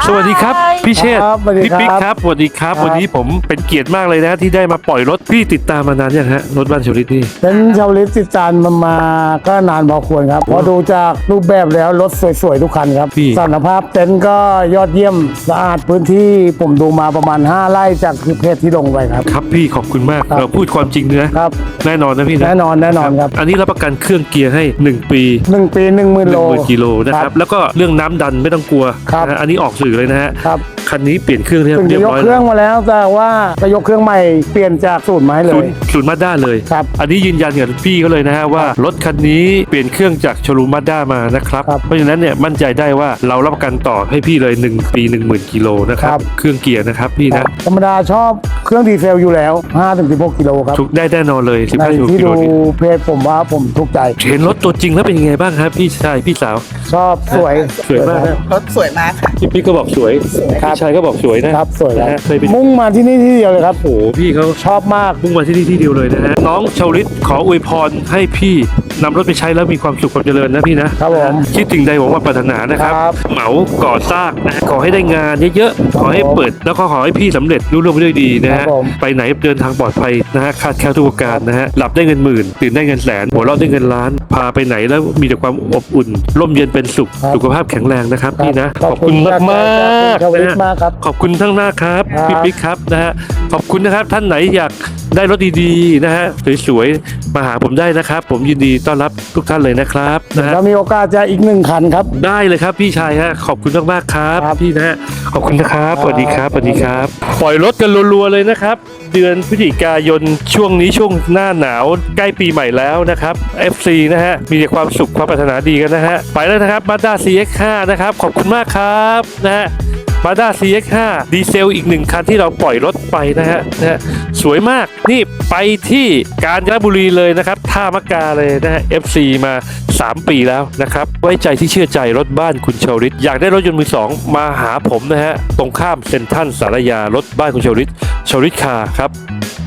สวัสดีครับพี่เชษฐ์ครับสวัสดีพี่ครับปิ๊กครับสวัสดีครับครับวันนี้ผมเป็นเกียรติมากเลยนะที่ได้มาปล่อยรถพี่ติดตามมานานยังฮะรถบ้านชลิตนี่เป็นชาวลิตติดจานมาก็นานพอควรครับพอดูจากรูปแบบแล้วรถสวยๆทุกคันครับพี่สารภาพเต็นท์ก็ยอดเยี่ยมสะอาดพื้นที่ผมดูมาประมาณ5ไร่จากเพจที่ลงไปครับครับพี่ขอบคุณมากครับเราพูดความจริงนะครับ แน่นอนนะพี่นะแน่นอนครับอันนี้รับประกันเครื่องเกียร์ให้1 ปี 1 ปี 10,000 โล 10,000กิโลนะครับแล้วก็เรื่องน้ำดันไม่ต้องกลัวครับนะฮะอันนี้ออกสื่อเลยนะฮะครับคันนี้เปลี่ยนเครื่องเรียถึงบจะยกร้อยเครื่แล้องวมาแล้วแต่ว่าจะยกเครื่องใหม่เปลี่ยนจากสูตรไม้เลศูยนย์ศูนย์มาด้าเลยครับอันนี้ยืนยันกับพี่เขาเลยนะฮะว่ารถคันนี้เปลี่ยนเครื่องจากโชลูมมาด้ามานะครับครับเพราะฉะนั้นเนี่ยมั่นใจได้ว่าเรารับประกันต่อให้พี่เลย1 ปี 10,000 กิโลนะคครัรับบ เครื่องเกียร์นะครับพี่นะธรรมดาชอบเครื่องดีเซลอยู่แล้ว 5-16 กิโลครับถูกได้แน่นอนเลยใน 15 ที่กิโลดูนี่เพจผมว่าผมถูกใจเห็นรถตัวจริงแล้วเป็นยังไงบ้างครับพี่ชายพี่สาวชอบสวยสวยมากนะรถสวยมากค่ะพี่ก็บอกสวยครับพี่ชายก็บอกสวยนะครับสวยคนะรับฮะเคยไปมุ่งมาที่นี่ที่เดียวเลยครับโอ้โหพี่เขาชอบมากมุ่งมาที่นี่ที่เดียวเลยนะฮะน้องชาวลิตขออวยพรให้พี่นำรถไปใช้แล้วมีความสุขความเจริญนะพี่นะครับผมคิดถึงใดหวังว่าปรารถนานะครับครับเหมาก่อสร้างนะขอให้ได้งานเยอะๆขอให้เปิดแล้วก็ขอให้พี่สำเร็จรุ่ร่วงไปด้วยดีนะครัฮะบผมไปไหนเดินทางปลอดภัยนะฮะคาดแคล้วทุกประการนะฮะหลับได้เงินหมื่นตื่นได้เงินแสนหัวเราะได้เงินล้าน พาไปไหนแล้วมีแต่ความอบอุ่นร่มเย็นเป็นสุขครับสุขภาพแข็งแรงนะครับพี่นะขอบคุณจากมากชาวๆลินะตฮะมากครับขอบคุณทั้งหน้าครับครับพี่ปิ๊กครับนะฮะขอบคุณนะครับท่านไหนอยากได้รถดีๆนะฮะสวยๆมาหาผมได้นะครับ ผมยินดีต้อนรับทุกท่านเลยนะครับนะฮะเรามีโอกาสจะอีก1 คันครับได้เลยครับพี่ชายฮะขอบคุณมากๆครับครับพี่นะฮะขอบคุณนะครับครับสวัสดีครับสวัสดีครับ ปล่อยรถกันรัวๆเลยนะครับ เดือนพฤศจิกายนช่วงนี้ช่วงหน้าหนาวใกล้ปีใหม่แล้วนะครับ FC นะฮะมีแต่ความสุขความปรารถนาดีกันนะฮะไปแล้วนะครับ Mazda CX-5 นะครับขอบคุณมากครับนะฮะ Mazda CX-5 ดีเซลอีก1 คันที่เราปล่อยรถไปนะฮะสวยมากนี่ไปที่กาญจนบุรีเลยนะครับท่ามะกาเลยนะฮะ FC มา 3 ปีแล้วนะครับไว้ใจที่เชื่อใจรถบ้านคุณชาวลิตอยากได้รถยนต์มือสองมาหาผมนะฮะตรงข้ามเซ็นทรัลสารยารถบ้านคุณชาวลิตคาร์ครับ